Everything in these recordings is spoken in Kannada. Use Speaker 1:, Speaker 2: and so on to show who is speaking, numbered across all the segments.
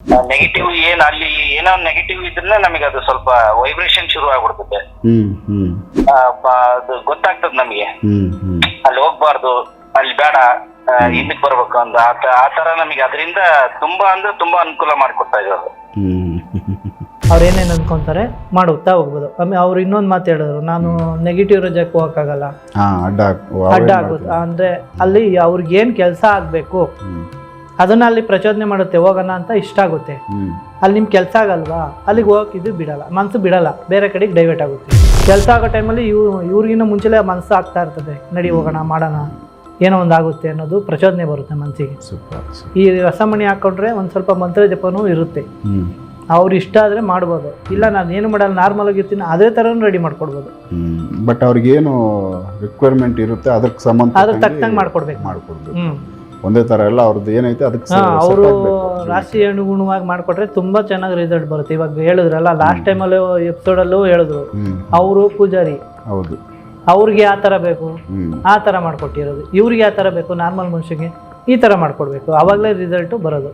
Speaker 1: ನೆಗೆಟಿವ್ ಏನ್ ಅಲ್ಲಿ ಏನೋ ನೆಗೆಟಿವ್ ಇದ್ರೆ ನಮಗೆ ಅದು ಸ್ವಲ್ಪ ವೈಬ್ರೇಷನ್ ಶುರು ಆಗ್ಬಿಡ್ತದೆ. ಅದು ಗೊತ್ತಾಗ್ತದೆ ನಮಗೆ, ಅಲ್ಲಿ ಹೋಗ್ಬಾರ್ದು, ಅಲ್ಲಿ ಬೇಡ, ಹಿಂದಕ್ಕೆ ಬರ್ಬೇಕು ಅಂತ ಆ ತರ ನಮಗೆ ಅದರಿಂದ ತುಂಬಾ ಅಂದ್ರೆ ತುಂಬಾ ಅನುಕೂಲ ಮಾಡಿಕೊಡ್ತಾ ಇದ್ದಾರೆ.
Speaker 2: ಅವ್ರು ಏನೇನು ಅನ್ಕೊಂತಾರೆ ಮಾಡುತ್ತಾ ಹೋಗ್ಬೋದು. ಆಮೇಲೆ ಅವ್ರು ಇನ್ನೊಂದು ಮಾತು ಹೇಳಿದ್ರು, ನಾನು ನೆಗೆಟಿವ್ ರಜಕ್ಕೆ ಹೋಗಕ್ಕಾಗಲ್ಲ, ಅಡ್ಡ ಆಗುತ್ತೆ ಅಂದ್ರೆ ಅಲ್ಲಿ ಅವ್ರಿಗೆ ಏನ್ ಕೆಲಸ ಆಗ್ಬೇಕು ಅದನ್ನ ಅಲ್ಲಿ ಪ್ರಚೋದನೆ ಮಾಡುತ್ತೆ, ಹೋಗೋಣ ಅಂತ ಇಷ್ಟ ಆಗುತ್ತೆ. ಅಲ್ಲಿ ನಿಮ್ ಕೆಲಸ ಆಗಲ್ವಾ, ಅಲ್ಲಿಗೆ ಹೋಗಕ್ಕಿದ್ದು ಬಿಡಲ್ಲ, ಮನಸ್ಸು ಬಿಡಲ್ಲ, ಬೇರೆ ಕಡೆಗೆ ಡೈವರ್ಟ್ ಆಗುತ್ತೆ. ಕೆಲಸ ಆಗೋ ಟೈಮಲ್ಲಿ ಇವ್ರಿಗಿನ್ನ ಮುಂಚೆಲೇ ಮನಸ್ಸು ಆಗ್ತಾ ಇರ್ತದೆ, ನಡಿ ಹೋಗೋಣ ಮಾಡೋಣ, ಏನೋ ಒಂದು ಆಗುತ್ತೆ ಅನ್ನೋದು ಪ್ರಚೋದನೆ ಬರುತ್ತೆ ಮನಸ್ಸಿಗೆ. ಈ ರಸಮಣಿ ಹಾಕೊಂಡ್ರೆ ಒಂದು ಸ್ವಲ್ಪ ಮಂತ್ರ ಜಪನೂ ಇರುತ್ತೆ. ಅವ್ರು ಇಷ್ಟ ಆದರೆ ಮಾಡ್ಬೋದು, ಇಲ್ಲ ನಾನು ಏನು ಮಾಡಲ್ಲ ನಾರ್ಮಲ್ ಆಗಿರ್ತೀನಿ ಅದೇ ಥರನೂ ರೆಡಿ ಮಾಡ್ಕೊಡ್ಬೋದು.
Speaker 3: ಬಟ್ ಅವ್ರಿಗೇನು ರಿಕ್ವೈರ್ಮೆಂಟ್ ಇರುತ್ತೆ ಅದಕ್ಕೆ ಸಂಬಂಧ
Speaker 2: ಅದಕ್ಕೆ ತಕ್ಕಂಗೆ ಮಾಡ್ಕೊಡ್ಬೇಕು.
Speaker 3: ಒಂದೇ ಥರ ಎಲ್ಲ ಅವ್ರದ್ದು ಏನೈತೆ ಅದಕ್ಕೆ
Speaker 2: ಅವರು ರಾಶಿ ಅನುಗುಣವಾಗಿ ಮಾಡಿಕೊಟ್ರೆ ತುಂಬ ಚೆನ್ನಾಗಿ ರಿಸಲ್ಟ್ ಬರುತ್ತೆ. ಇವಾಗ ಹೇಳಿದ್ರಲ್ಲ ಲಾಸ್ಟ್ ಟೈಮಲ್ಲೂ ಎಪಿಸೋಡಲ್ಲೂ ಹೇಳಿದ್ರು, ಅವರು ಪೂಜಾರಿ,
Speaker 3: ಹೌದು,
Speaker 2: ಅವ್ರಿಗೆ ಯಾವ ಥರ ಬೇಕು ಆ ಥರ ಮಾಡಿಕೊಟ್ಟಿರೋದು, ಇವ್ರಿಗೆ ಯಾವ ಥರ ಬೇಕು ನಾರ್ಮಲ್ ಮನುಷ್ಯಗೆ ಈ ಥರ ಮಾಡಿಕೊಡ್ಬೇಕು, ಆವಾಗಲೇ ರಿಸಲ್ಟು ಬರೋದು.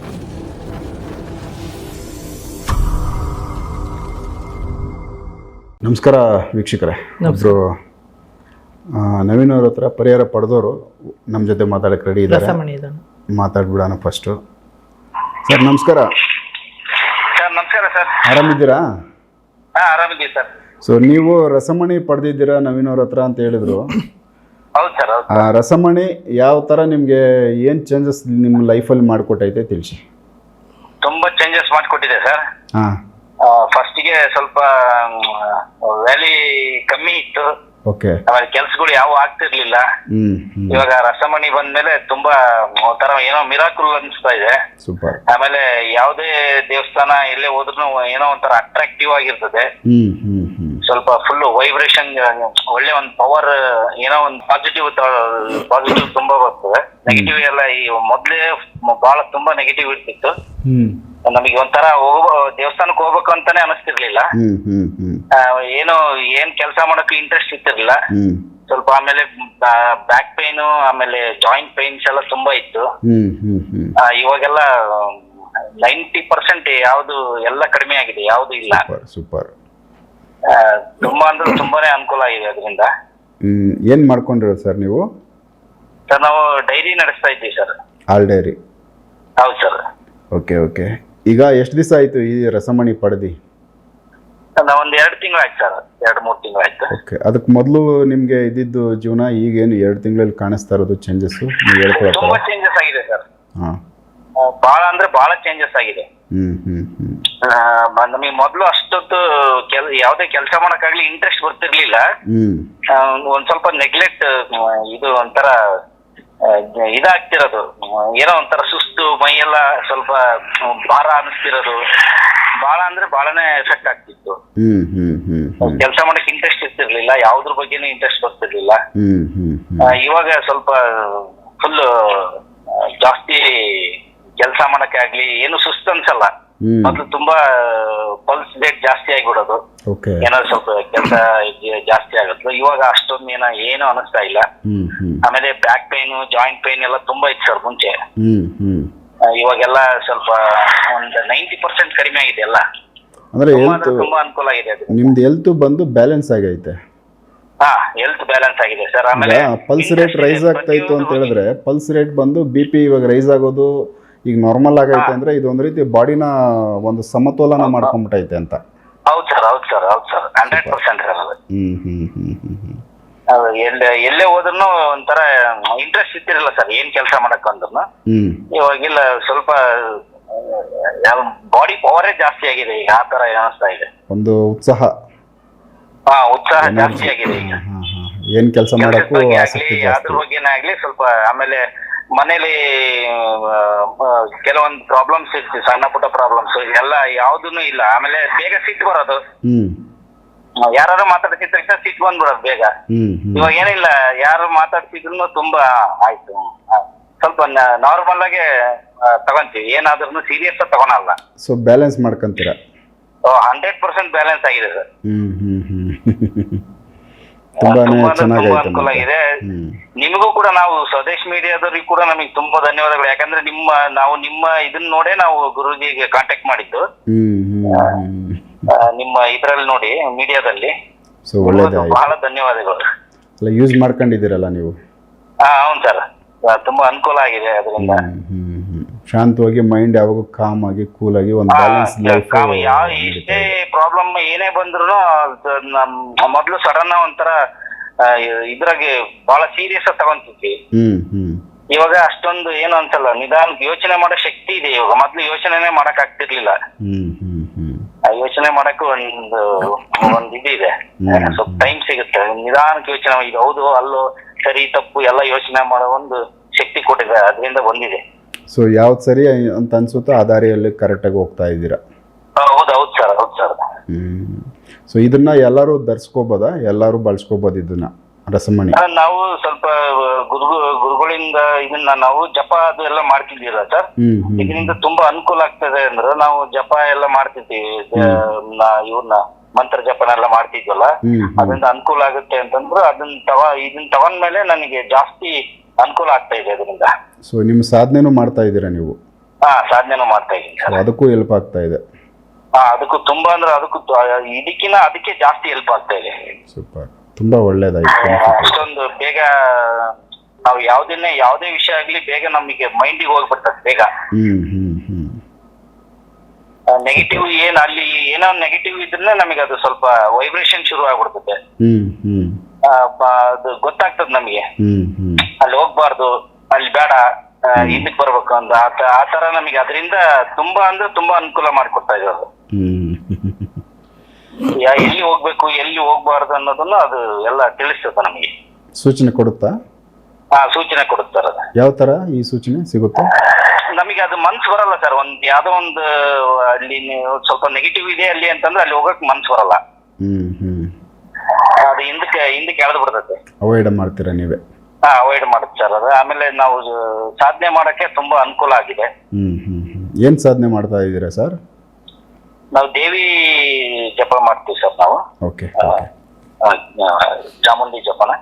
Speaker 3: ನಮಸ್ಕಾರ ವೀಕ್ಷಕರೇ, ಒಬ್ಬರು ನವೀನ್ ಅವ್ರ ಹತ್ರ ಪರಿಹಾರ ಪಡೆದವರು ನಮ್ಮ ಜೊತೆ ಮಾತಾಡಕ್ಕೆ ರೆಡಿ ಇದ್ದಾರೆ. ಮಾತಾಡ್ಬಿಡೋಣ ಫಸ್ಟು. ಸರ್ ನಮಸ್ಕಾರ.
Speaker 1: ಸರ್ ನಮಸ್ಕಾರ ಸರ್.
Speaker 3: ಆರಾಮಿದ್ದೀರಾ?
Speaker 1: ಆರಾಮಿದ್ದೀವಿ ಸರ್.
Speaker 3: ಸೊ ನೀವು ರಸಮಣಿ ಪಡೆದಿದ್ದೀರಾ ನವೀನ್ ಅವ್ರ ಹತ್ರ ಅಂತ ಹೇಳಿದ್ರು.
Speaker 1: ಹೌದು ಸರ್.
Speaker 3: ಆ ರಸಮಣಿ ಯಾವ ಥರ ನಿಮಗೆ ಏನು ಚೇಂಜಸ್ ನಿಮ್ಮ ಲೈಫಲ್ಲಿ ಮಾಡಿಕೊಟ್ಟೈತೆ ತಿಳಿಸಿ.
Speaker 1: ತುಂಬ ಚೇಂಜಸ್ ಮಾಡಿಕೊಟ್ಟಿದೆ ಸರ್.
Speaker 3: ಹಾಂ,
Speaker 1: ಫಸ್ಟಿಗೆ ಸ್ವಲ್ಪ ವ್ಯಾಲಿ ಕಮ್ಮಿ ಇತ್ತು.
Speaker 3: ಓಕೆ.
Speaker 1: ಆಮೇಲೆ ಕೆಲ್ಸಗಳು ಯಾವ ಆಗ್ತಿರ್ಲಿಲ್ಲ. ಇವಾಗ ರಸಮಣಿ ಬಂದ್ಮೇಲೆ ತುಂಬಾ ಒಂಥರ ಏನೋ ಮಿರಾಕುಲ್ ಅನಿಸ್ತಾ ಇದೆ.
Speaker 3: ಸೂಪರ್.
Speaker 1: ಆಮೇಲೆ ಯಾವುದೇ ದೇವಸ್ಥಾನ ಎಲ್ಲೇ ಹೋದ್ರು ಏನೋ ಒಂಥರ ಅಟ್ರಾಕ್ಟಿವ್ ಆಗಿರ್ತದೆ. ಸ್ವಲ್ಪ ಫುಲ್ ವೈಬ್ರೇಷನ್, ಒಳ್ಳೆ ಒಂದು ಪವರ್, ಏನೋ ಒಂದು ಪಾಸಿಟಿವ್ ತುಂಬಾ ಬರ್ತದೆ. ನೆಗೆಟಿವ್ ಎಲ್ಲ ಈ ಮೊದ್ಲೇ ಬಹಳ ತುಂಬಾ ನೆಗೆಟಿವ್ ಇರ್ತಿತ್ತು. ನಮಗೆ ಒಂಥರ ದೇವಸ್ಥಾನಕ್ಕೆ ಹೋಗ್ಬೇಕು ಅಂತಾನೆ ಅನಿಸ್ತಿರ್ಲಿಲ್ಲ. ಏನೋ ಏನ್ ಕೆಲಸ ಮಾಡಕ್ಕೆ ಇಂಟ್ರೆಸ್ಟ್ ಇರ್ತಿರ್ಲಿಲ್ಲ ಸ್ವಲ್ಪ. ಆಮೇಲೆ ಬ್ಯಾಕ್ ಪೈನ್, ಆಮೇಲೆ ಜಾಯಿಂಟ್ ಪೈನ್ಸ್ ಎಲ್ಲ ತುಂಬಾ ಇತ್ತು. ಇವಾಗೆಲ್ಲ 90% ಯಾವ್ದು ಎಲ್ಲ ಕಡಿಮೆ ಆಗಿದೆ, ಯಾವ್ದು ಇಲ್ಲ.
Speaker 3: ಸೂಪರ್.
Speaker 1: ತುಂಬಾ ಅಂದ್ರೆ ತುಂಬಾನೇ ಅನುಕೂಲ ಆಗಿದೆ ಅದರಿಂದ.
Speaker 3: ಏನ್ ಮಾಡ್ಕೊಂಡಿರೋ ಸರ್ ನೀವು?
Speaker 1: ಸರ್ ನಾವು ಡೈರಿ ನಡೆಸ್ತಾ ಇದ್ದೀವಿ ಸರ್.
Speaker 3: ಹಾಲ್ ಡೈರಿ?
Speaker 1: ಹೌದು ಸರ್.
Speaker 3: Okay okay. ಈಗ ಎಷ್ಟು ದಿವಸ ಆಯ್ತು ಈ ರಸಮಣಿ ಪಡೆದಿ?
Speaker 1: ನಾವೊಂದು 2 ತಿಂಗಳಾಯ್ತು ಸರ್, 2-3 ತಿಂಗಳಾಯ್ತು.
Speaker 3: ಓಕೆ. ಅದಕ್ಕೆ ಮೊದಲು ನಿಮ್ಗೆ ಇದ್ದಿದ್ದು ಜೀವನ ಈಗೇನು 2 ತಿಂಗಳಲ್ಲಿ ಕಾಣಿಸ್ತಾ ಇರೋದು ಚೇಂಜಸ್?
Speaker 1: ತುಂಬಾ ಚೇಂಜಸ್ ಆಗಿದೆ ಸರ್.
Speaker 3: ಹಾಂ,
Speaker 1: ಬಹಳ ಅಂದ್ರೆ ಬಹಳ ಚೇಂಜಸ್ ಆಗಿದೆ. ನಮಗೆ ಮೊದಲು ಅಷ್ಟೊತ್ತು ಯಾವ್ದೇ ಕೆಲಸ ಮಾಡಕ್ಕಾಗ್ಲಿ ಇಂಟ್ರೆಸ್ಟ್ ಬರ್ತಿರ್ಲಿಲ್ಲ. ಒಂದ್ ಸ್ವಲ್ಪ ನೆಗ್ಲೆಕ್ಟ್, ಇದು ಒಂಥರ ಇದಾಗ್ತಿರೋದು, ಏನೋ ಒಂಥರ ಸುಸ್ತು, ಮೈಯೆಲ್ಲ ಸ್ವಲ್ಪ ಭಾರ ಅನಿಸ್ತಿರೋದು, ಬಹಳ ಅಂದ್ರೆ ಬಹಳನೇ ಎಫೆಕ್ಟ್ ಆಗ್ತಿತ್ತು. ಕೆಲಸ ಮಾಡಕ್ ಇಂಟ್ರೆಸ್ಟ್ ಇರ್ತಿರ್ಲಿಲ್ಲ, ಯಾವ್ದ್ರ ಬಗ್ಗೆನೂ ಇಂಟ್ರೆಸ್ಟ್ ಬರ್ತಿರ್ಲಿಲ್ಲ. ಇವಾಗ ಸ್ವಲ್ಪ ಫುಲ್ ಜಾಸ್ತಿ ಕೆಲಸ ಮಾಡಕ್ಕೆ ಆಗ್ಲಿ ಏನು ಸುಸ್ತು ಅನ್ಸಲ್ಲ. ಮೊದ್ಲು ತುಂಬಾ ಪಲ್ಸ್ ರೇಟ್ ಜಾಸ್ತಿ ಆಗಿಬಿಡೋದು, ಏನಾದ್ರು ಸ್ವಲ್ಪ ಕೆಲಸ ಜಾಸ್ತಿ ಆಗುತ್ತೆ. ಇವಾಗ ಅಷ್ಟೊಂದು ಏನು ಅನಿಸ್ತಾ ಇಲ್ಲ. ಆಮೇಲೆ ಬ್ಯಾಕ್ ಪೈನ್, ಜಾಯಿಂಟ್ ಪೈನ್ ಎಲ್ಲ ತುಂಬಾ ಇತ್ತು ಸರ್ ಮುಂಚೆ. ಇವಾಗೆಲ್ಲ ಸ್ವಲ್ಪ ಒಂದು 90% ಕಡಿಮೆ ಆಗಿದೆ ಎಲ್ಲ.
Speaker 3: ಅಂದ್ರೆ
Speaker 1: ತುಂಬಾ ಅನುಕೂಲ ಆಗಿದೆ.
Speaker 3: ನಿಮ್ದು ಹೆಲ್ತ್ ಬಂದು ಬ್ಯಾಲೆನ್ಸ್ ಆಗೈತೆ?
Speaker 1: ಹಾ, ಹೆಲ್ತ್ ಬ್ಯಾಲೆನ್ಸ್ ಆಗಿದೆ ಸರ್. ಆಮೇಲೆ
Speaker 3: ಪಲ್ಸ್ ರೇಟ್ ರೈಸ್ ಆಗ್ತಾ ಇತ್ತು ಅಂತ ಹೇಳಿದ್ರೆ, ಪಲ್ಸ್ ರೇಟ್ ಬಂದು BP ಇವಾಗ ರೈಸ್ ಆಗೋದು ಈಗ ನಾರ್ಮಲ್ ಆಗೈತೆ ಅಂದ್ರೆ ಇದು ಒಂದ್ ರೀತಿ ಬಾಡಿನ ಒಂದು ಸಮತೋಲನ ಮಾಡ್ಕೊಂಡ್ಬಿಟ್ಟೈತೆ ಅಂತ.
Speaker 1: ಹೌದು ಸರ್, ಹೌದು ಸರ್, ಹೌದು ಸರ್, 100% ಎಲ್ಲೇ ಹೋದ್ರು ಒಂಥರ ಇಂಟ್ರೆಸ್ಟ್ ಇತ್ತಿರಲ್ಲ ಸರ್, ಏನ್ ಕೆಲಸ ಮಾಡಕ್ ಅಂದ್ರೂ. ಇವಾಗಿಲ್ಲ, ಸ್ವಲ್ಪ ಬಾಡಿ ಪವರೇ ಜಾಸ್ತಿ ಆಗಿದೆ ಈಗ, ಆ ತರ ಅನಿಸ್ತಾ ಇದೆ.
Speaker 3: ಒಂದು ಉತ್ಸಾಹ
Speaker 1: ಜಾಸ್ತಿ ಆಗಿದೆ ಈಗ.
Speaker 3: ಏನ್ ಕೆಲಸ ಮಾಡಕ್ಕೂ ಆಸಕ್ತಿ ಜಾಸ್ತಿ.
Speaker 1: ಅದ್ರ ಬಗ್ಗೆನೇ ಆಗ್ಲಿ ಸ್ವಲ್ಪ. ಆಮೇಲೆ ಮನೇಲಿ ಕೆಲವೊಂದು ಪ್ರಾಬ್ಲಮ್ಸ್ ಇರ್ತೀವಿ, ಸಣ್ಣ ಪುಟ್ಟ ಪ್ರಾಬ್ಲಮ್ಸ್ ಎಲ್ಲ ಯಾವ್ದೂನು ಇಲ್ಲ. ಆಮೇಲೆ ಬೇಗ ಸಿಟ್ಟು ಬರೋದು, ಯಾರು ಮಾತಾಡ್ತಿದ್ದ ತಕ್ಷಣ ಸಿಟ್ಟು ಬಂದ್ಬಿಡೋದು ಬೇಗ. ಇವಾಗ ಏನಿಲ್ಲ, ಯಾರು ಮಾತಾಡ್ತಿದ್ರು ತುಂಬಾ ಆಯ್ತು, ಸ್ವಲ್ಪ ನಾರ್ಮಲ್ ಆಗಿ ತಗೊಂತೀವಿ, ಏನಾದ್ರೂ ಸೀರಿಯಸ್ ತಗೊಳಲ್ಲ.
Speaker 3: ಸೊ ಬ್ಯಾಲೆನ್ಸ್ ಮಾಡ್ಕೊಂತೀರಾ?
Speaker 1: 100% ಬ್ಯಾಲೆನ್ಸ್ ಆಗಿದೆ ಸರ್.
Speaker 3: ತುಂಬಾನೇ
Speaker 1: ತುಂಬಾ ಅಂದ್ರೆ ತುಂಬಾ
Speaker 3: ಚೆನ್ನಾಗೈತೆ
Speaker 1: ಅನುಕೂಲ
Speaker 3: ಮತ್ತೆ.
Speaker 1: ಆಗಿದೆ.
Speaker 3: ಹ್ಮ್
Speaker 1: ನಿಮಗೂ ಕೂಡ ನಾವು ಸ್ವದೇಶ್ ಮೀಡಿಯಾದವ್ರಿಗೆ ಕೂಡ ನಮಗೆ ತುಂಬಾ ಧನ್ಯವಾದಗಳು. ಯಾಕಂದ್ರೆ ನಾವು ನಿಮ್ಮ ಇದನ್ನ ನೋಡೇ ನಾವು ಗುರುಜಿಗೆ ಕಾಂಟ್ಯಾಕ್ಟ್ ಮಾಡಿದ್ದು.
Speaker 3: ಹ್ಮ್ ಹ್ಮ್
Speaker 1: ನಿಮ್ಮ ಇದ್ರಲ್ಲಿ ನೋಡಿ ಮೀಡಿಯಾದಲ್ಲಿ.
Speaker 3: ಸೊ ಒಳ್ಳೇದಾಯ್ತು.
Speaker 1: ಬಹಳ ಧನ್ಯವಾದಗಳು.
Speaker 3: ಅಲ್ಲ ಯೂಸ್ ಮಾಡ್ಕೊಂಡಿದ್ದೀರಲ್ಲ ನೀವು?
Speaker 1: ಹೌದು ಸರ್, ತುಂಬಾ ಅನುಕೂಲ ಆಗಿದೆ ಅದರಿಂದ.
Speaker 3: ಶಾಂತವಾಗಿ ಮೈಂಡ್ ಯಾವಾಗ ಕಾಮ್ ಆಗಿ ಕೂಲ್ ಆಗಿ ಒಂದು ಬ್ಯಾಲೆನ್ಸ್ ಲೈಫ್.
Speaker 1: ಎಷ್ಟೇ ಪ್ರಾಬ್ಲಮ್ ಏನೇ ಬಂದ್ರು ಮೊದ್ಲು ಸಡನ್ ಒಂಥರ ಇದ್ರಾಗೆ ಬಹಳ ಸೀರಿಯಸ್ ಆಗಿ ತಗೊಂತಿದ್ವಿ. ಇವಾಗ ಅಷ್ಟೊಂದು ಏನು ಅನ್ಸಲ್ಲ, ನಿಧಾನಕ್ಕೆ ಯೋಚನೆ ಮಾಡೋ ಶಕ್ತಿ ಇದೆ ಇವಾಗ. ಮೊದ್ಲು ಯೋಚನೆನೇ ಮಾಡಕ್ ಆಗ್ತಿರ್ಲಿಲ್ಲ. ಯೋಚನೆ ಮಾಡಕ್ಕೂ ಒಂದು ಇದಿದೆ, ಸ್ವಲ್ಪ ಟೈಮ್ ಸಿಗುತ್ತೆ. ನಿಧಾನಕ್ಕೆ ಯೋಚನೆ, ಇದು ಹೌದು ಅಲ್ಲೋ ಸರಿ ತಪ್ಪು ಎಲ್ಲ ಯೋಚನೆ ಮಾಡೋ ಒಂದು ಶಕ್ತಿ ಕೊಟ್ಟಿದೆ, ಅದರಿಂದ ಬಂದಿದೆ.
Speaker 3: ಸೊ ಯಾವ್ದು ಸರಿ ಅಂತ ಅನ್ಸುತ್ತೋ ಆ ದಾರಿಯಲ್ಲಿ ಕರೆಕ್ಟಾಗಿ ಹೋಗ್ತಾ ಇದ್ದೀರಾ?
Speaker 1: ಹೌದು ಸರ್, ಹೌದು ಸರ್.
Speaker 3: ಸೊ ಇದನ್ನ ಎಲ್ಲರೂ ಧರಿಸ್ಕೋಬೋದಾ? ಎಲ್ಲರೂ ಬಳಸ್ಕೋಬೋದು ಇದನ್ನ ರಸಮಣಿ?
Speaker 1: ನಾವು ಸ್ವಲ್ಪ ಗುರುಗಳಿಂದ ಇದನ್ನ ನಾವು ಜಪ ಅದು ಎಲ್ಲ ಮಾಡ್ತಿದ್ದೀರಾ ಸರ್. ಇದರಿಂದ ತುಂಬಾ ಅನುಕೂಲ ಆಗ್ತದೆ ಅಂದ್ರೆ ನಾವು ಜಪ ಎಲ್ಲ ಮಾಡ್ತಿದ್ದೀವಿ, ಇವ್ರನ್ನ ಮಂತ್ರ ಜಪನ ಎಲ್ಲ ಮಾಡ್ತಿದ್ವಲ್ಲ, ಅದರಿಂದ ಅನುಕೂಲ ಆಗುತ್ತೆ ಅಂತಂದ್ರೆ ಇದನ್ನ ತಗೊಂಡ್ಮೇಲೆ ನನಗೆ ಜಾಸ್ತಿ ಅನುಕೂಲ ಆಗ್ತಾ ಇದೆ ಅದರಿಂದ.
Speaker 3: ಸೊ ನಿಮ್ಮ ಸಾಧನೆನೂ ಮಾಡ್ತಾ ಇದ್ದೀರಾ ನೀವು?
Speaker 1: ಸಾಧನೆನೂ ಮಾಡ್ತಾ ಇದ್ದೀನಿ ಸರ್.
Speaker 3: ಅದಕ್ಕೂ ಹೆಲ್ಪ್ ಆಗ್ತಾ ಇದೆ?
Speaker 1: ಅದಕ್ಕೂ ತುಂಬಾ ಅಂದ್ರೆ ಇದಕ್ಕಿಂತ ಅದಕ್ಕೆ ಜಾಸ್ತಿ ಹೆಲ್ಪ್ ಆಗ್ತಾ ಇದೆ.
Speaker 3: ಸೂಪರ್, ತುಂಬಾ ಒಳ್ಳೇದಾಯ್ತು.
Speaker 1: ಅಷ್ಟೊಂದು ಬೇಗ ನಾವು ಯಾವುದೇ ವಿಷಯ ಆಗ್ಲಿ ಬೇಗ ನಮಗೆ ಮೈಂಡಿಗೆ ಹೋಗ್ಬಿಡ್ತದೆ ಬೇಗ. ನೆಗೆಟಿವ್ ಅಲ್ಲಿ ಏನೋ ನೆಗೆಟಿವ್ ಇದ್ರೆ ನಮಗೆ ಅದು ಸ್ವಲ್ಪ ವೈಬ್ರೇಷನ್ ಶುರು ಆಗ್ಬಿಡ್ತದೆ. ಅದು ಗೊತ್ತಾಗ್ತದೆ ನಮಗೆ, ಅಲ್ಲಿ ಹೋಗ್ಬಾರ್ದು, ಅಲ್ಲಿ ಬೇಡ, ಹಿಂದಕ್ಕೆ ಬರ್ಬೇಕು ಅಂತ. ಆ ತರ ನಮಗೆ ಅದರಿಂದ ತುಂಬಾ ಅಂದ್ರೆ ತುಂಬಾ ಅನುಕೂಲ ಮಾಡಿಕೊಡ್ತಾ ಇರೋದು. ಎಲ್ಲಿ ಹೋಗ್ಬೇಕು ಎಲ್ಲಿ ಹೋಗ್ಬಾರ್ದು ಅನ್ನೋದನ್ನ ಅದು ಎಲ್ಲ ತಿಳಿಸ್ತದೆ ನಮಗೆ.
Speaker 3: ಸೂಚನೆ ಕೊಡುತ್ತಾ?
Speaker 1: ಸೂಚನೆ ಕೊಡುತ್ತಾರೆ.
Speaker 3: ಯಾವ ತರ ಈ ಸೂಚನೆ ಸಿಗುತ್ತೆ
Speaker 1: ನಮಗೆ? ಅದು ಮನ್ಸು ಬರಲ್ಲ ಸರ್. ಯಾವ್ದೋ ಒಂದು ಅಲ್ಲಿ ಸ್ವಲ್ಪ ನೆಗೆಟಿವ್ ಇದೆ ಅಲ್ಲಿ ಅಂತಂದ್ರೆ ಅಲ್ಲಿ ಹೋಗಕ್ ಮನ್ಸು ಬರಲ್ಲ. ಅದು ಹಿಂದಕ್ಕೆ ಎಳೆದು ಬಿಡ್ತದೆ.
Speaker 3: ಅವಾಯ್ಡ್ ಮಾಡ್ತೀರಾ ನೀವೇ?
Speaker 1: ಅವಾಯ್ಡ್ ಮಾಡುತ್ತೆ ಸರ್ ಅದು. ಆಮೇಲೆ ನಾವು ಸಾಧನೆ ಮಾಡಕ್ಕೆ ತುಂಬಾ ಅನುಕೂಲ ಆಗಿದೆ.
Speaker 3: ಏನ್ ಸಾಧನೆ ಮಾಡ್ತಾ ಇದ್ದೀರಾ ಸರ್?
Speaker 1: ನಾವು ದೇವಿ ಜಪ ಮಾಡ್ತೀವಿ ಸರ್ ನಾವು.
Speaker 3: ಓಕೆ.
Speaker 1: ಚಾಮುಂಡಿ ಜಪನ.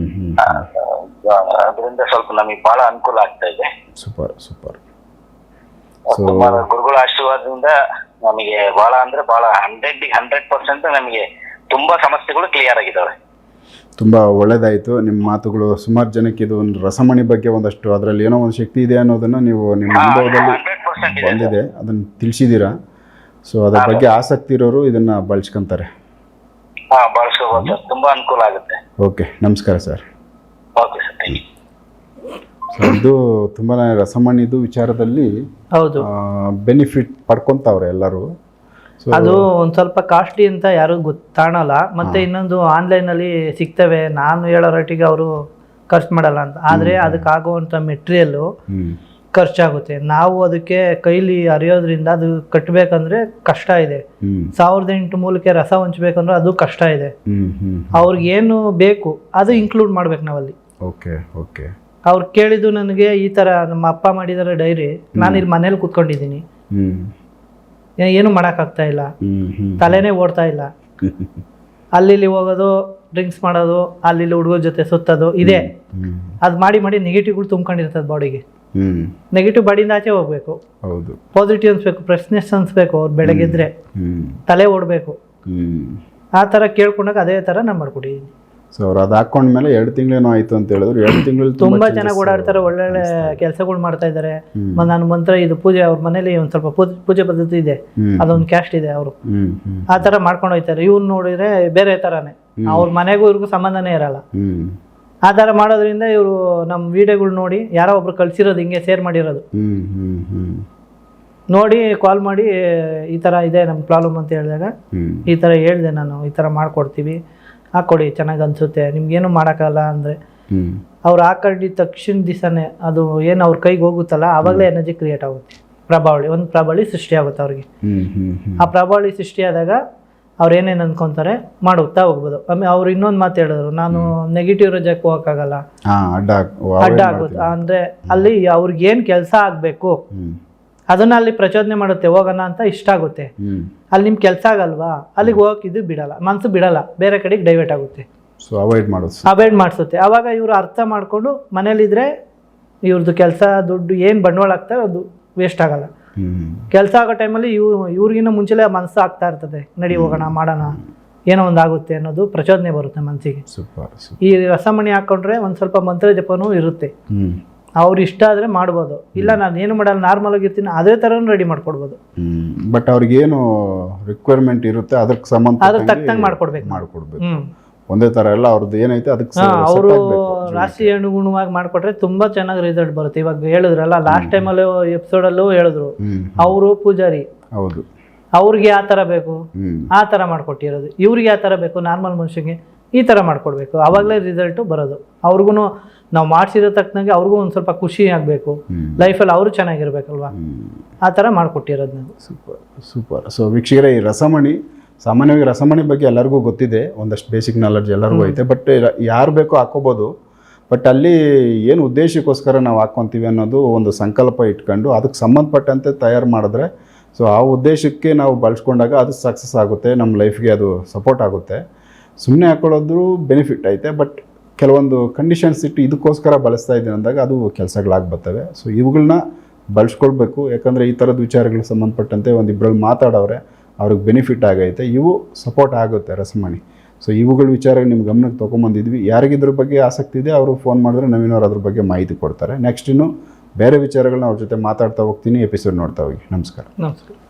Speaker 1: ಅದರಿಂದ ಸ್ವಲ್ಪ ನಮಗೆ ಬಹಳ ಅನುಕೂಲ ಆಗ್ತಾ ಇದೆ.
Speaker 3: Super super.
Speaker 1: ತುಂಬಾ ಗುರುಗಳ ಆಶೀರ್ವಾದದಿಂದ ನಮಗೆ ಬಹಳ ಅಂದ್ರೆ ಬಹಳ 100% ನಮಗೆ ತುಂಬಾ ಸಮಸ್ಯೆಗಳು ಕ್ಲಿಯರ್ ಆಗಿದ್ದಾವೆ.
Speaker 3: ತುಂಬ ಒಳ್ಳೆಯದಾಯಿತು ನಿಮ್ಮ ಮಾತುಗಳು. ಸುಮಾರು ಜನಕ್ಕೆ ಇದು ಒಂದು ರಸಮಣಿ ಬಗ್ಗೆ ಒಂದಷ್ಟು ಅದರಲ್ಲಿ ಏನೋ ಒಂದು ಶಕ್ತಿ ಇದೆ ಅನ್ನೋದನ್ನು ನೀವು ನಿಮ್ಮ ಅನುಭವದಲ್ಲಿ ಬಂದಿದೆ, ಅದನ್ನು ತಿಳಿಸಿದ್ದೀರಾ. ಸೊ ಅದ್ರ ಬಗ್ಗೆ ಆಸಕ್ತಿ ಇರೋರು ಇದನ್ನು ಬಳಸ್ಕೊಂತಾರೆ.
Speaker 1: ಬಳಸ್ಕೋಬಹುದು ಸರ್, ತುಂಬ ಅನುಕೂಲ ಆಗುತ್ತೆ.
Speaker 3: ಓಕೆ, ನಮಸ್ಕಾರ sir.
Speaker 1: Okay sir, thank you.
Speaker 3: So ಇದು ತುಂಬಾ ರಸಮಣಿದು ವಿಚಾರದಲ್ಲಿ
Speaker 2: ಹೌದು
Speaker 3: ಬೆನಿಫಿಟ್ ಪಡ್ಕೊತಾವ್ರೆ ಎಲ್ಲರೂ.
Speaker 2: ಅದು ಒಂದು ಸ್ವಲ್ಪ ಕಾಸ್ಟ್ಲಿ ಅಂತ ಯಾರು ಗೊತ್ತಾಣಲ್ಲ. ಮತ್ತೆ ಇನ್ನೊಂದು ಆನ್ಲೈನಲ್ಲಿ ಸಿಗ್ತವೆ, ನಾನು ಹೇಳೋ ರೇಟಿಗೆ ಅವರು ಖರ್ಚು ಮಾಡಲ್ಲ ಅಂತ. ಆದರೆ ಅದಕ್ಕಾಗುವಂಥ ಮೆಟೀರಿಯಲ್ಲು ಖರ್ಚಾಗುತ್ತೆ. ನಾವು ಅದಕ್ಕೆ ಕೈಲಿ ಅರಿಯೋದ್ರಿಂದ ಅದು ಕಟ್ಟಬೇಕಂದ್ರೆ ಕಷ್ಟ ಇದೆ. 1008 ಮೂಲಕ್ಕೆ ರಸ ಹಂಚ್ಬೇಕಂದ್ರೆ ಅದು ಕಷ್ಟ ಇದೆ. ಅವ್ರಿಗೇನು ಬೇಕು ಅದು ಇನ್ಕ್ಲೂಡ್ ಮಾಡ್ಬೇಕು ನಾವಲ್ಲಿ.
Speaker 3: Okay okay.
Speaker 2: ಅವ್ರು ಕೇಳಿದ್ದು ನನಗೆ ಈ ಥರ ನಮ್ಮ ಅಪ್ಪ ಮಾಡಿದಾರೆ ಡೈರಿ, ನಾನು ಇಲ್ಲಿ ಮನೇಲಿ ಕೂತ್ಕೊಂಡಿದ್ದೀನಿ, ಏನು ಮಾಡೋಕ್ಕಾಗ್ತಾ ಇಲ್ಲ, ತಲೆನೇ ಓಡ್ತಾ ಇಲ್ಲ, ಅಲ್ಲಿ ಹೋಗೋದು, ಡ್ರಿಂಕ್ಸ್ ಮಾಡೋದು, ಅಲ್ಲಿ ಹುಡುಗರ ಜೊತೆ ಸುತ್ತೋದು ಇದೆ. ಅದು ಮಾಡಿ ನೆಗೆಟಿವ್ಗಳು ತುಂಬ್ಕೊಂಡಿರ್ತದೆ ಬಾಡಿಗೆ. ನೆಗೆಟಿವ್ ಬಾಡಿಯಿಂದ ಆಚೆ ಹೋಗ್ಬೇಕು, ಪಾಸಿಟಿವ್ ಅನ್ಸ್ಬೇಕು, ಫ್ರೆಶ್ನೆಸ್ ಅನ್ಸ್ಬೇಕು. ಅವ್ರು ಬೆಳಗ್ಗೆದ್ರೆ ತಲೆ ಓಡಬೇಕು. ಆ ಥರ ಕೇಳ್ಕೊಂಡಾಗ ಅದೇ ಥರ ನಾನು ಮಾಡ್ಕೊಟ್ಟಿದ್ದೀನಿ.
Speaker 3: ಸೊ ಅವ್ರು ಅದು ಹಾಕೊಂಡ್ಮೇಲೆ 2 ತಿಂಗಳೇನೋ ಆಯ್ತು ಅಂತ ಹೇಳಿದ್ರು. 2 ತಿಂಗಳಲ್ಲಿ
Speaker 2: ತುಂಬಾ ಚೆನ್ನಾಗಿ ಓಡಾಡ್ತಾರೆ, ಒಳ್ಳೊಳ್ಳೆ ಕೆಲಸಗಳು ಮಾಡ್ತಾ ಇದ್ದಾರೆ. ನಾನು ಮಂತ್ರ ಇದು ಪೂಜೆ, ಅವ್ರ ಮನೇಲಿ ಒಂದು ಸ್ವಲ್ಪ ಪೂಜೆ ಪದ್ಧತಿ ಇದೆ, ಅದೊಂದು ಕ್ಯಾಸ್ಟ್ ಇದೆ, ಅವರು ಆ ಥರ ಮಾಡ್ಕೊಂಡು ಹೋಗ್ತಾರೆ. ಇವ್ರು ನೋಡಿದ್ರೆ ಬೇರೆ ಥರನೇ, ಅವ್ರ ಮನೆಗೂ ಇವ್ರಿಗೂ ಸಂಬಂಧನೇ ಇರಲ್ಲ. ಆ ಥರ ಮಾಡೋದ್ರಿಂದ ಇವರು ನಮ್ಮ ವಿಡಿಯೋಗಳು ನೋಡಿ ಯಾರೋ ಒಬ್ರು ಕಳ್ಸಿರೋದು, ಹಿಂಗೆ ಶೇರ್ ಮಾಡಿರೋದು ನೋಡಿ ಕಾಲ್ ಮಾಡಿ ಈ ಥರ ಇದೆ ನಮ್ಮ ಪ್ರಾಬ್ಲಮ್ ಅಂತ ಹೇಳಿದಾಗ ಈ ಥರ ಹೇಳಿದೆ ನಾನು, ಈ ಥರ ಮಾಡ್ಕೊಡ್ತೀವಿ, ಹಾಕ್ಕೊಡಿ, ಚೆನ್ನಾಗಿ ಅನಿಸುತ್ತೆ, ನಿಮ್ಗೇನು ಮಾಡೋಕ್ಕಲ್ಲ ಅಂದರೆ ಅವ್ರು ಹಾಕೊಂಡಿದ್ದ ತಕ್ಷಣ ದಿವಸನೇ ಅದು ಏನು ಅವ್ರ ಕೈಗೆ ಹೋಗುತ್ತಲ್ಲ, ಆವಾಗಲೇ ಎನರ್ಜಿ ಕ್ರಿಯೇಟ್ ಆಗುತ್ತೆ. ಒಂದು ಪ್ರಬಳಿ ಸೃಷ್ಟಿ ಆಗುತ್ತೆ ಅವ್ರಿಗೆ. ಆ ಪ್ರಬಳಿ ಸೃಷ್ಟಿಯಾದಾಗ ಅವ್ರು ಏನೇನು ಅಂದ್ಕೊತಾರೆ ಮಾಡುತ್ತಾ ಹೋಗ್ಬೋದು. ಆಮೇಲೆ ಅವ್ರು ಇನ್ನೊಂದು ಮಾತು ಹೇಳಿದ್ರು, ನಾನು ನೆಗೆಟಿವ್ ರಜಕ್ಕೆ ಹೋಗೋಕ್ಕಾಗಲ್ಲ, ಅಡ್ಡ ಆಗುತ್ತೆ ಅಂದರೆ ಅಲ್ಲಿ ಅವ್ರಿಗೆ ಏನು ಕೆಲಸ ಆಗಬೇಕು ಅದನ್ನ ಅಲ್ಲಿ ಪ್ರಚೋದನೆ ಮಾಡುತ್ತೆ, ಹೋಗೋಣ ಅಂತ ಇಷ್ಟ ಆಗುತ್ತೆ. ಅಲ್ಲಿ ನಿಮ್ಗೆ ಕೆಲಸ ಆಗಲ್ವಾ, ಅಲ್ಲಿಗೆ ಹೋಗಕ್ಕೆ ಇದು ಬಿಡಲ್ಲ, ಮನಸ್ಸು ಬಿಡಲ್ಲ, ಬೇರೆ ಕಡೆಗೆ ಡೈವರ್ಟ್ ಆಗುತ್ತೆ.
Speaker 3: ಸೊ ಅವಾಯ್ಡ್ ಮಾಡೋದು.
Speaker 2: ಅವಾಯ್ಡ್ ಮಾಡಿಸುತ್ತೆ. ಆವಾಗ ಇವರು ಅರ್ಥ ಮಾಡಿಕೊಂಡು ಮನೇಲಿದ್ರೆ ಇವ್ರದ್ದು ಕೆಲಸ ದುಡ್ಡು ಏನು ಬಂಡವಾಳ ಆಗ್ತಾರೆ ಅದು ವೇಸ್ಟ್ ಆಗಲ್ಲ. ಕೆಲಸ ಆಗೋ ಟೈಮಲ್ಲಿ ಇವ್ರಿಗಿನ್ನ ಮುಂಚೆಲೇ ಮನಸ್ಸು ಆಗ್ತಾ ಇರ್ತದೆ, ನಡಿ ಹೋಗೋಣ ಮಾಡೋಣ, ಏನೋ ಒಂದು ಆಗುತ್ತೆ ಅನ್ನೋದು ಪ್ರಚೋದನೆ ಬರುತ್ತೆ ಮನಸ್ಸಿಗೆ. ಈ ರಸಮಣಿ ಹಾಕೊಂಡ್ರೆ ಒಂದು ಸ್ವಲ್ಪ ಮಂತ್ರ ಜಪನೂ ಇರುತ್ತೆ. ಅವ್ರು ಇಷ್ಟ ಆದರೆ ಮಾಡ್ಬೋದು, ಇಲ್ಲ ನಾನು ಏನು ಮಾಡಲ್ಲ ನಾರ್ಮಲ್ ಆಗಿರ್ತೀನಿ ಅದೇ ಥರನೂ ರೆಡಿ ಮಾಡ್ಕೊಡ್ಬೋದು.
Speaker 3: ಬಟ್ ಅವ್ರಿಗೇನು ರಿಕ್ವೈರ್ಮೆಂಟ್ ಇರುತ್ತೆ ಅದಕ್ಕೆ ಸಂಬಂಧ
Speaker 2: ಅದ್ರ ತಕ್ಕಂಗೆ ಮಾಡ್ಕೊಡ್ಬೇಕು.
Speaker 3: ಒಂದೇ ಥರ ಎಲ್ಲ ಅವ್ರದ್ದು ಏನೈತೆ ಅದಕ್ಕೆ
Speaker 2: ಅವರು ರಾಶಿ ಅನುಗುಣವಾಗಿ ಮಾಡ್ಕೊಟ್ರೆ ತುಂಬಾ ಚೆನ್ನಾಗಿ ರಿಸಲ್ಟ್ ಬರುತ್ತೆ. ಇವಾಗ ಹೇಳಿದ್ರಲ್ಲ ಲಾಸ್ಟ್ ಟೈಮಲ್ಲೂ ಎಪಿಸೋಡಲ್ಲೂ ಹೇಳಿದ್ರು, ಅವರು ಪೂಜಾರಿ,
Speaker 3: ಹೌದು,
Speaker 2: ಅವ್ರಿಗೆ ಯಾವ ಥರ ಬೇಕು ಆ ಥರ ಮಾಡ್ಕೊಟ್ಟಿರೋದು, ಇವ್ರಿಗೆ ಯಾವ ಥರ ಬೇಕು ನಾರ್ಮಲ್ ಮನುಷ್ಯಗೆ ಈ ಥರ ಮಾಡ್ಕೊಡ್ಬೇಕು, ಆವಾಗಲೇ ರಿಸಲ್ಟು ಬರೋದು. ಅವ್ರಿಗೂ ನಾವು ಮಾಡಿಸಿರೋ ತಕ್ಕನಾಗೆ ಅವ್ರಿಗೂ ಒಂದು ಸ್ವಲ್ಪ ಖುಷಿ ಆಗಬೇಕು, ಲೈಫಲ್ಲಿ ಅವರು ಚೆನ್ನಾಗಿರ್ಬೇಕಲ್ವಾ, ಆ ಥರ ಮಾಡಿಕೊಟ್ಟಿರೋದು ನಾವು.
Speaker 3: ಸೂಪರ್. ಸೊ ವೀಕ್ಷಕರೇ, ಈ ರಸಮಣಿ ಸಾಮಾನ್ಯವಾಗಿ ರಸಮಣಿ ಬಗ್ಗೆ ಎಲ್ಲರಿಗೂ ಗೊತ್ತಿದೆ, ಒಂದಷ್ಟು ಬೇಸಿಕ್ ನಾಲೆಡ್ಜ್ ಎಲ್ಲರಿಗೂ ಐತೆ. ಬಟ್ ಯಾರು ಬೇಕೋ ಹಾಕೋಬೋದು. ಬಟ್ ಅಲ್ಲಿ ಏನು ಉದ್ದೇಶಕ್ಕೋಸ್ಕರ ನಾವು ಹಾಕ್ಕೊತೀವಿ ಅನ್ನೋದು ಒಂದು ಸಂಕಲ್ಪ ಇಟ್ಕೊಂಡು ಅದಕ್ಕೆ ಸಂಬಂಧಪಟ್ಟಂತೆ ತಯಾರು ಮಾಡಿದ್ರೆ, ಸೊ ಆ ಉದ್ದೇಶಕ್ಕೆ ನಾವು ಬಳಸ್ಕೊಂಡಾಗ ಅದು ಸಕ್ಸಸ್ ಆಗುತ್ತೆ, ನಮ್ಮ ಲೈಫ್ಗೆ ಅದು ಸಪೋರ್ಟ್ ಆಗುತ್ತೆ. ಸುಮ್ಮನೆ ಹಾಕೊಳ್ಳೋದು ಬೆನಿಫಿಟ್ ಐತೆ, ಬಟ್ ಕೆಲವೊಂದು ಕಂಡೀಷನ್ಸ್ ಇಟ್ಟು ಇದಕ್ಕೋಸ್ಕರ ಬಳಸ್ತಾ ಇದ್ದೀನಿ ಅಂದಾಗ ಅದು ಕೆಲಸಗಳಾಗಿ ಬರ್ತವೆ. ಸೊ ಇವುಗಳನ್ನ ಬಳಸ್ಕೊಳ್ಬೇಕು. ಯಾಕಂದರೆ ಈ ಥರದ ವಿಚಾರಗಳಿಗೆ ಸಂಬಂಧಪಟ್ಟಂತೆ ಒಂದಿಬ್ಬರಲ್ಲಿ ಮಾತಾಡೋರೆ, ಅವ್ರಿಗೆ ಬೆನಿಫಿಟ್ ಆಗೈತೆ, ಇವು ಸಪೋರ್ಟ್ ಆಗುತ್ತೆ ರಸಮಣಿ. ಸೊ ಇವುಗಳ ವಿಚಾರ ನಿಮ್ಮ ಗಮನಕ್ಕೆ ತೊಗೊಂಬಂದಿದ್ವಿ. ಯಾರಿಗಿದ್ರ ಬಗ್ಗೆ ಆಸಕ್ತಿ ಇದೆ ಅವರು ಫೋನ್ ಮಾಡಿದ್ರೆ ನವೀನವ್ರು ಅದ್ರ ಬಗ್ಗೆ ಮಾಹಿತಿ ಕೊಡ್ತಾರೆ. ನೆಕ್ಸ್ಟ್ ಇನ್ನು ಬೇರೆ ವಿಚಾರಗಳನ್ನ ಅವ್ರ ಜೊತೆ ಮಾತಾಡ್ತಾ ಹೋಗ್ತೀನಿ. ಎಪಿಸೋಡ್ ನೋಡ್ತಾ ಹೋಗಿ. ನಮಸ್ಕಾರ.